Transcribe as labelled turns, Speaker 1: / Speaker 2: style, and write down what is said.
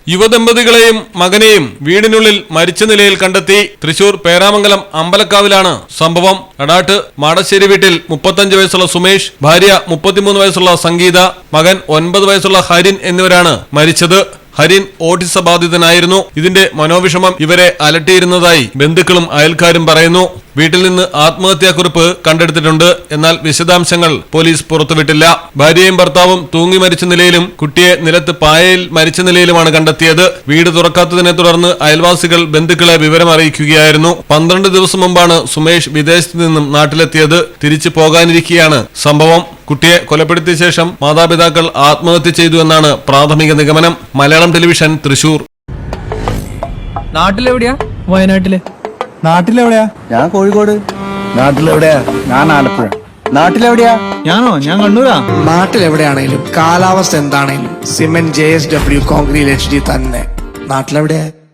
Speaker 1: യുവദമ്പതികളെയും മകനെയും വീടിനുള്ളിൽ മരിച്ച നിലയിൽ കണ്ടെത്തി. തൃശൂർ പേരാമംഗലം അമ്പലക്കാവിലാണ് സംഭവം. അടാട്ട് മാടശ്ശേരി വീട്ടിൽ 35 വയസ്സുള്ള സുമേഷ്, ഭാര്യ 33 വയസ്സുള്ള സംഗീത, മകൻ 9 വയസ്സുള്ള ഹരിൻ എന്നിവരാണ് മരിച്ചത്. ഹരിൻ ഓട്ടിസ ബാധിതനായിരുന്നു. ഇതിന്റെ മനോവിഷമം ഇവരെ അലട്ടിയിരുന്നതായി ബന്ധുക്കളും അയൽക്കാരും പറയുന്നു. വീട്ടിൽ നിന്ന് ആത്മഹത്യാക്കുറിപ്പ് കണ്ടെടുത്തിട്ടുണ്ട്. എന്നാൽ വിശദാംശങ്ങൾ പോലീസ് പുറത്തുവിട്ടില്ല. ഭാര്യയും ഭർത്താവും തൂങ്ങി മരിച്ച നിലയിലും കുട്ടിയെ നിലത്ത് പായയിൽ മരിച്ച നിലയിലുമാണ് കണ്ടെത്തിയത്. വീട് തുറക്കാത്തതിനെ തുടർന്ന് അയൽവാസികൾ ബന്ധുക്കളെ വിവരം അറിയിക്കുകയായിരുന്നു. 12 ദിവസം മുമ്പാണ് സുമേഷ് വിദേശത്ത് നിന്നും നാട്ടിലെത്തിയത്. തിരിച്ചു പോകാനിരിക്കെയാണ് സംഭവം. കുട്ടിയെ കൊലപ്പെടുത്തിയ ശേഷം മാതാപിതാക്കൾ ആത്മഹത്യ ചെയ്തു എന്നാണ് പ്രാഥമിക നിഗമനം. മലയാളം ടെലിവിഷൻ, തൃശൂർ.
Speaker 2: നാട്ടിലെവിടെയാ? വയനാട്ടില്.
Speaker 3: നാട്ടിലെവിടെയാ?
Speaker 4: ഞാൻ കോഴിക്കോട്.
Speaker 3: നാട്ടിലെവിടെയാ? ഞാൻ ആലപ്പുഴ.
Speaker 4: നാട്ടിലെവിടെയാ?
Speaker 3: ഞാൻ കണ്ണൂരാ.
Speaker 5: നാട്ടിലെവിടെയാണേലും കാലാവസ്ഥ എന്താണേലും സിമെന്റ് JSW കോൺക്രീറ്റ് HD തന്നെ. നാട്ടിലെവിടെയാ?